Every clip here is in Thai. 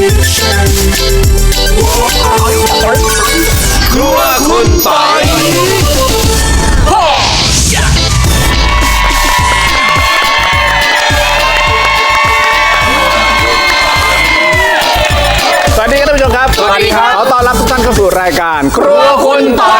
ครัวคุณปอยสวัสดีครับท่านผู้ชมครับสวัสดีครับขอต้อนรับทุกท่านเข้าสู่รายการครัวคุณปอย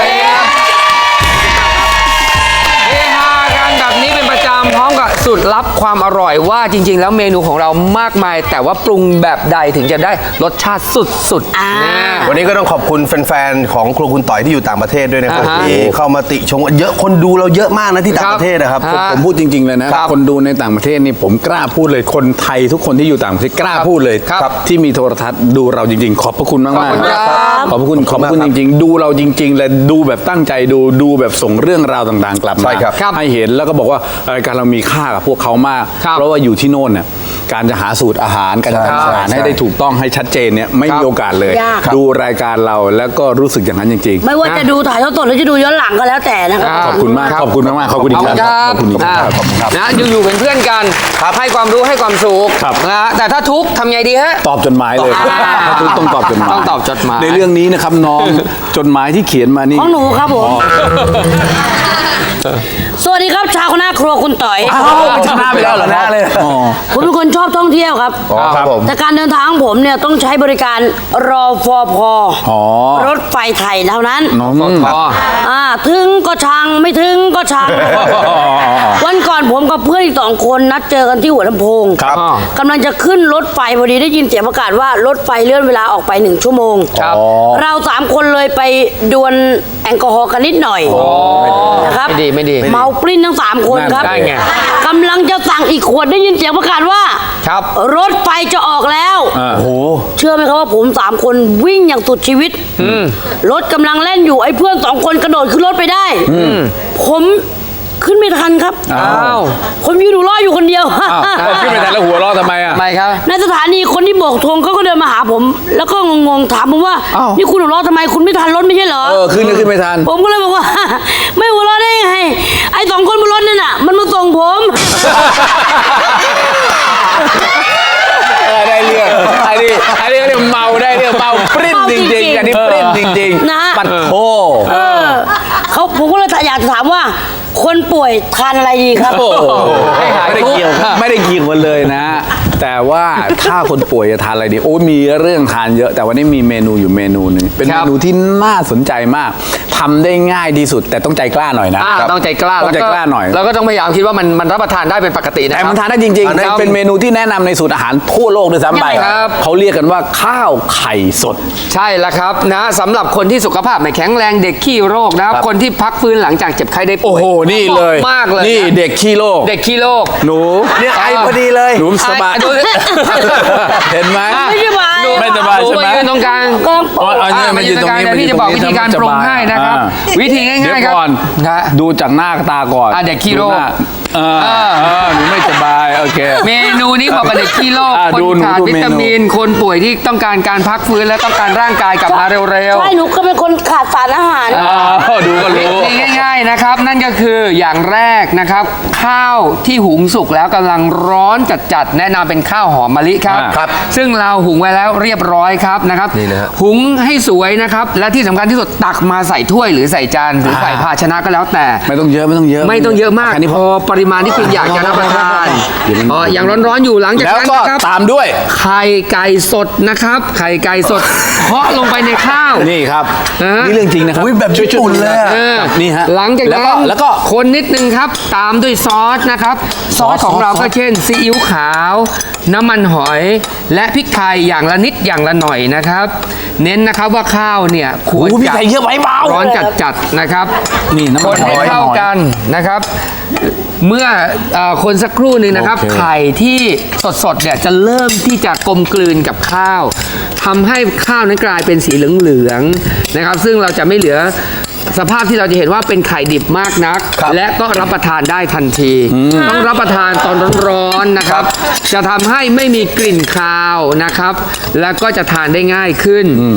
เฮฮากันแบบนี้เป็นประจำพร้อมกับสูตรลับความอร่อยว่าจริงๆแล้วเมนูของเรามากมาย แต่ว่าปรุงแบบใดถึงจะได้รสชาติสุดๆนะวันนี้ก็ต้องขอบคุณแฟนๆของครัวคุณต่อยที่อยู่ต่างประเทศด้วยนะครับที่เข้ามาติชมเยอะคนดูเราเยอะมากนะที่ต่างประเทศนะครับผมพูดจริงๆเลยนะคนดูในต่างประเทศนี่ผมกล้าพูดเลยคนไทยทุกคนที่อยู่ต่างประเทศกล้าพูดเลยที่มีโทรทัศน์ดูเราจริงๆ ขอบพระคุณมากๆขอบพระคุณจริงๆดูเราจริงๆและดูแบบตั้งใจดูแบบส่งเรื่องราวต่างๆกลับมาให้เห็นแล้วก็บอกว่ารายการเรามีค่ากับพวกเขามากเพราะว่าอยู่ที่โน่นเนี่ยการจะหาสูตรอาหารการจะทำอาหารให้ได้ถูกต้องให้ชัดเจนเนี่ยไม่มีโอกาสเลยดูรายการเราแล้วก็รู้สึกอย่างนั้นจริงๆไม่ว่าจะดูถ่ายทอดสดหรือจะดูย้อนหลังก็แล้วแต่นะครับขอบคุณมากขอบคุณมากขอบคุณอีกครั้งขอบคุณอีกครั้งขอบคุณครับนะอยู่ๆเป็นเพื่อนกันให้ความรู้ให้ความสุขนะแต่ถ้าทุกข์ทำไงดีฮะตอบจดหมายเลยถ้าทุกต้องตอบจดหมายต้องตอบจดหมายในเรื่องนี้นะครับน้องจดหมายที่เขียนมานี่ของหนูครับผมสวัสดีครับชาวคณะครัวคุณต่อยชนะไปแล้วเหรอนะเลยผมเป็นคนชอบท่องเที่ยวครับครับผมแต่การเดินทางของผมเนี่ยต้องใช้บริการรอฟพรถไฟไทยเท่านั้นถึงก็ช่างไม่ถึงก็ช่างวันก่อนผมกับเพื่อนอีก2 คนนัดเจอกันที่หัวลำโพงกำลังจะขึ้นรถไฟพอดีได้ยินเสียงประกาศว่ารถไฟเลื่อนเวลาออกไป1 ชั่วโมงเรา3 คนเลยไปดวลแอลกอฮอล์กันนิดหน่อยนะครับไม่ดีเมาปลิ้นทั้ง3 คนครับกำลังจะสั่งอีกขวดได้ยินเสียงประกาศว่ารถไฟจะออกแล้วเชื่อไหมครับว่าผม3 คนวิ่งอย่างสุดชีวิตรถกำลังเล่นอยู่ไอ้เพื่อน2 คนกระโดดขึ้นรถไปได้ผมขึ้นไม่ทันครับผมยืนดูล้ออยู่คนเดียวขึ้นไม่ทันแล้วหัวล้อทำไมอ่ะไม่ครับในสถานีคนที่โบกธงเขาก็เดินมาหาผมแล้วก็งงๆถามผมว่านี่คุณหัวล้อทำไมคุณไม่ทันรถไม่ใช่เหรอขึ้นไม่ทันผมก็เลยบอกว่าไม่หัวล้อได้ไงไอ้2 คนบนรถนั่นน่ะมันมาส่งผมได้เรื่องไอ้นี่เรียกเมาได้เรื่องเมาปริ้นจริงๆอันนี้ปริ้นจริงๆนะปัดโถผมก็เลยอยากจะถามว่าคนป่วยทานอะไรดีครับไม่ได้เกี่ยวกันเลยนะแต่ว่าถ้าคนป่วยจะทานอะไรดีโอ้มีเรื่องทานเยอะแต่วันนี้มีเมนูอยู่เมนูหนึ่งเป็นเมนูที่น่าสนใจมากทำได้ง่ายที่สุดแต่ต้องใจกล้าหน่อยนะต้องใจกล้าหน่อยแล้วก็ต้องพยายามคิดว่ามันรับประทานได้เป็นปกตินะแต่มันทานได้จริงๆเป็นเมนูที่แนะนำในสูตรอาหารทั่วโลกด้วยซ้ำไปเขาเรียกกันว่าข้าวไข่สดใช่แล้วครับนะสำหรับคนที่สุขภาพไม่แข็งแรงเด็กขี้โรคนะครับคนที่พักฟื้นหลังจากเจ็บไข้ได้ป่วยโอ้โหนี่เลยมากเลยนี่เด็กขี้โรคหนูเนี่ยไอพอดีเลยหนูสบายเห็นไหมไม่สบายใช่ไหมยืนตรงกลางมายืนตรงนี้พี่จะบอกวิธีการปรุงให้นะครับวิธีง่ายๆครับดูจากหน้าตาก่อนเด็กขี้โรคหนูไม่สบายโอเคเมนูนี้เหมาะกับเด็กขี้โรคคนขาดวิตามินคนป่วยที่ต้องการการพักฟื้นและต้องการร่างกายกลับมาเร็วๆใช่หนูก็เป็นคนขาดสารอาหารดูก็รู้ง่ายๆนะครับนั่นก็คืออย่างแรกนะครับข้าวที่หุงสุกแล้วกำลังร้อนจัดๆแนะนำเป็นข้าวหอมมะลิครับซึ่งเราหุงไว้แล้วเรียบร้อยครับนะครับหุงให้สวยนะครับและที่สำคัญที่สุดตักมาใส่ถ้วยหรือใส่จานหรือใส่ภาชนะก็แล้วแต่ไม่ต้องเยอะไม่ต้องเยอะมากพอปริมาณที่คุณอยากจะรับประทานอย่างร้อนๆอยู่หลังจากนั้นนะครับตามด้วยไข่ไก่สดนะครับไข่ไก่สดเคาะลงไปในข้าวนี่ครับนี่เรื่องจริงนะครับแบบญี่ปุ่นเลยนี่ฮะหลังจากนั้นแล้วก็คนนิดนึงครับตามด้วยซอสนะครับซอสของเราก็เช่นซีอิ๊วขาวน้ำมันหอยและพริกไทยอย่างละนิดอย่างละหน่อยนะครับเน้นนะครับว่าข้าวเนี่ยควรจะร้อนจัดๆนะครับนี่น้ำมันหอยเข้ากันนะครับเมื่อคนสักครู่หนึ่งนะครับไข่ที่สดๆเนี่ยจะเริ่มที่จะกลมกลืนกับข้าวทำให้ข้าวนั้นกลายเป็นสีเหลืองๆนะครับซึ่งเราจะไม่เหลือสภาพที่เราจะเห็นว่าเป็นไข่ดิบมากนักและก็รับประทานได้ทันทีต้องรับประทานตอนร้อนๆนะครับจะทำให้ไม่มีกลิ่นคาวนะครับแล้วก็จะทานได้ง่ายขึ้น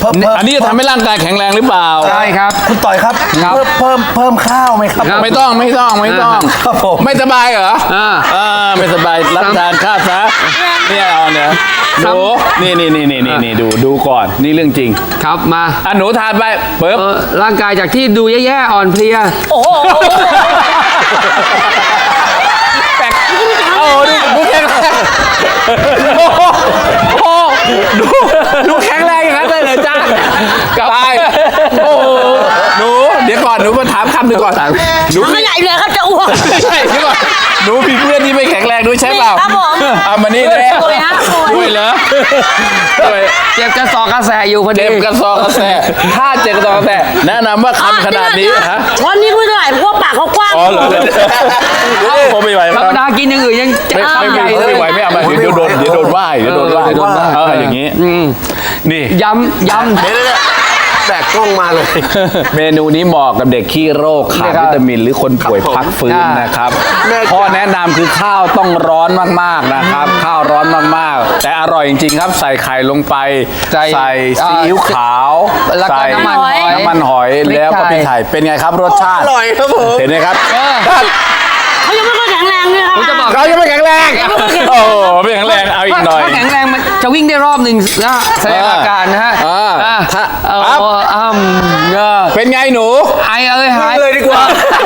อันนี้จะทำให้ร่างกายแข็งแรงหรือเปล่าใช่ครับคุณต่อยครับครับเพิ่มข้าวไหมครับไม่ต้องครับผมไม่สบายเหรออ่าไม่สบายรับทานข้าวซะเนี่ยเอาเนี่ยดูนี่ดูก่อนนี่เรื่องจริงครับมาหนูทานไปปึ๊บร่างกายจากที่ดูแย่ๆอ่อนเพลียโอ้โหโอ้ดูแข็งแรงดูแข็งแรงอย่างนั้นเลยเหรอจ้าตายโอ้หนูเดี๋ยวก่อนหนูมาถามคำหนึ่งก่อนหนูไม่ใหญ่เลยครับจะอ้วกไม่ใช่เดี๋ยวก่อนหนูมีเพื่อนที่ไม่แข็งแรงด้วยใช่เปล่าครับผมเอามานี่เลยป่วยฮะป่วยด้วยเหรอด้วยเจ็บกระสอบกระแสอยู่พอดีเจ็บกระซอกกระแสถ้าเจ็บกระซอกกระแสแนะนำว่าคำขนาดนี้ฮะช้อนนี้ไม่เท่าไหร่เพราะว่าปากเขากว้างอ๋อเหรอผมไม่ไหวธรรมดากินอย่างอื่นยังจะอ้ามใหญ่เลยไม่ไหวไม่เอามาเดี๋ยวโดนว่าอย่างนี้นี่ย้ำแบกกล้องมาเลยเมนูนี้เหมาะกับเด็กขี้โรคขาดวิตามินหรือคนป่วยพักฟื้นนะครับข้อแนะนำคือข้าวต้องร้อนมากๆนะครับ ข้าวร้อนมากๆ แต่อร่อยจริงๆครับ ใส่ไข่ลงไป ใส่ซีอิ๊วขาวแล้วก็ใส่น้ำมันหอยแล้วก็พริกไทยเป็นไงครับรสชาติอร่อยครับผมเห็นไหมครับเขายังไม่ค่อยแข็งแรงเลยครับผมจะบอกเขายังไม่แข็งแรงโอ้ไม่แข็งแรงเอาอีกหน่อยถ้าแข็งแรงมันจะวิ่งได้รอบหนึ่งนะแสดงอาการนะฮะถ้า เป็นไงหนูไอเอ้ยหายเลยดีกว่า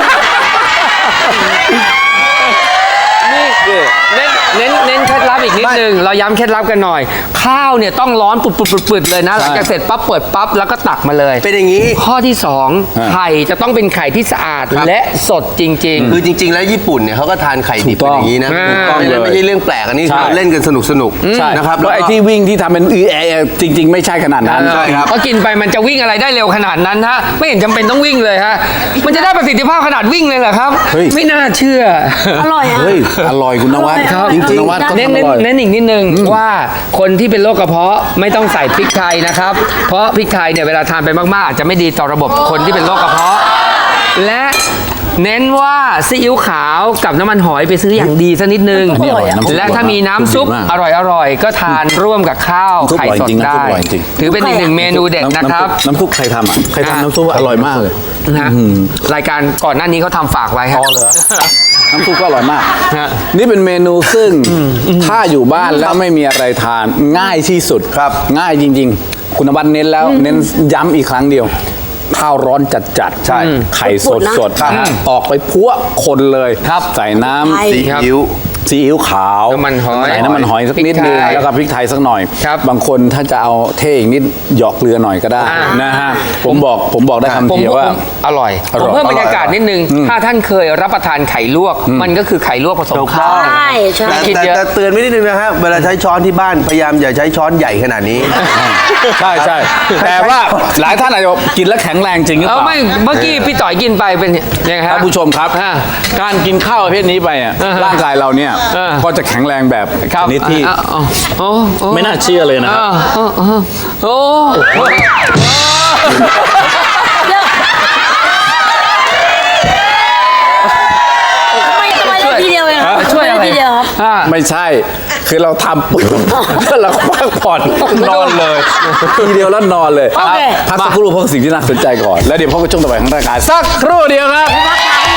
นี่เน้นเคล็ดลับอีกนิดนึงเราย้ำเคล็ดลับกันหน่อย ข้าวเนี่ยต้องร้อนปุดๆๆเลยนะหลังจากเสร็จปั๊บเปิดปั๊บแล้วก็ตักมาเลยเป็นอย่างนี้ข้อที่ 2 ไข่จะต้องเป็นไข่ที่สะอาดและสดจริงคือจริง ๆ แล้วญี่ปุ่นเนี่ยเขาก็ทานไข่ดิบถูกเป็นต้องอย่างนี้นะอ่าถูกต้องเลยไม่ใช่เรื่องแปลกอันนี้ใช่คือเล่นกันสนุกใช่นะครับแล้วไอ้ที่วิ่งที่ทำเป็นจริง ๆ ไม่ใช่ขนาดนั้นใช่ครับก็กินไปมันจะวิ่งอะไรได้เร็วขนาดนั้นฮะไม่เห็นจำเป็นต้องวิ่งเลยฮะมันจะได้ประสิทธิภาพขนาดวิ่งเลยเหรอครับเฮ้ยไม่น่าเชื่ออร่อยอ่ะเฮ้ยอร่อยคุณนวัดครับจริงจริงๆนวัดก็เน้นทำอร่อยเน้นอีกนิดนึงว่าคนที่เป็นโรคกระเพาะไม่ต้องใส่พริกไทยนะครับ เพราะพริกไทยเนี่ยเวลาทานไปมากๆอาจจะไม่ดีต่อระบบคนที่เป็นโรคกระเพาะ และเน้นว่าซีอิ๊วขาวกับน้ำมันหอยไปซื้ออย่างดีสักนิดนึงอันนี้อร่อยน้ำซุปและถ้ามีน้ำซุปดีมากอร่อยก็ทานร่วมกับข้าวน้ำซุปไข่อร่อยสดจริงได้น้ำซุปอร่อยจริงถือเป็นอีกหนึ่งเมนูเด็ดนะครับน้ำซุปใครทำอ่ะใครทำน้ำซุปอร่อยมากเลยนะฮะรายการก่อนหน้านี้เขาทำฝากไว้ครับน้ำซุปก็อร่อยมากฮะนี่เป็นเมนูซึ่งถ้าอยู่บ้านแล้วไม่มีอะไรทานง่ายที่สุดครับง่ายจริง ๆ คุณนวัดเน้นแล้วเน้นย้ำอีกครั้งเดียว ข้าวร้อนจัดๆใช่ไข่สดนะออกไปพัวคนเลยครับใส่น้ไข่ำซีอิ๊วซีอิ๊วขาวน้ำมันหอยใส่น้ำมันหอยสักนิดนึงพริกไทยแล้วก็พริกไทยสักหน่อยครับบางคนถ้าจะเอาเท่อีกนิดหยอกเกลือหน่อยก็ได้อ่านนะฮะผมบอกได้คำเดียวว่าอร่อยอร่อยผมเพิ่มบรรยากาศนิดนึง ถ้าท่านเคยรับประทานไข่ลวก มันก็คือไข่ลวกผสมข้าวใช่ใช่แต่คิดเยอะแต่เตือนไว้นิดนึงนะฮะเวลาใช้ช้อนที่บ้านพยายามอย่าใช้ช้อนใหญ่ขนาดนี้ใช่ใช่แต่ว่าหลายท่านอาจจะบอกกินแล้วแข็งแรงจริงหรือเปล่าไม่เมื่อกี้พี่ต่อยกินไปเป็นยังไงฮะท่านผู้ชมครับอ่าการกินข้าวประเภทนี้ไปอ่ะอ่าฮะร่างกายเราเนี่ยอ่าก็จะแข็งแรงแบบครับชนิดที่ ไม่น่าเชื่อเลยนะครับโอ้ทำไมได้ทีเดียวเองครับช่วยอะไรทำไมได้ทีเดียวครับไม่ใช่ คือเราทำปุ๊บแล้วเราก็พักผ่อนนอนเลยทีเดียวแล้วนอนเลยโอเคพักสักครู่เพราะสิ่งที่น่าสนใจก่อน แล้วเดี๋ยวพบกับช่วงต่อไปของรายการสักครู่เดียวครับพักขา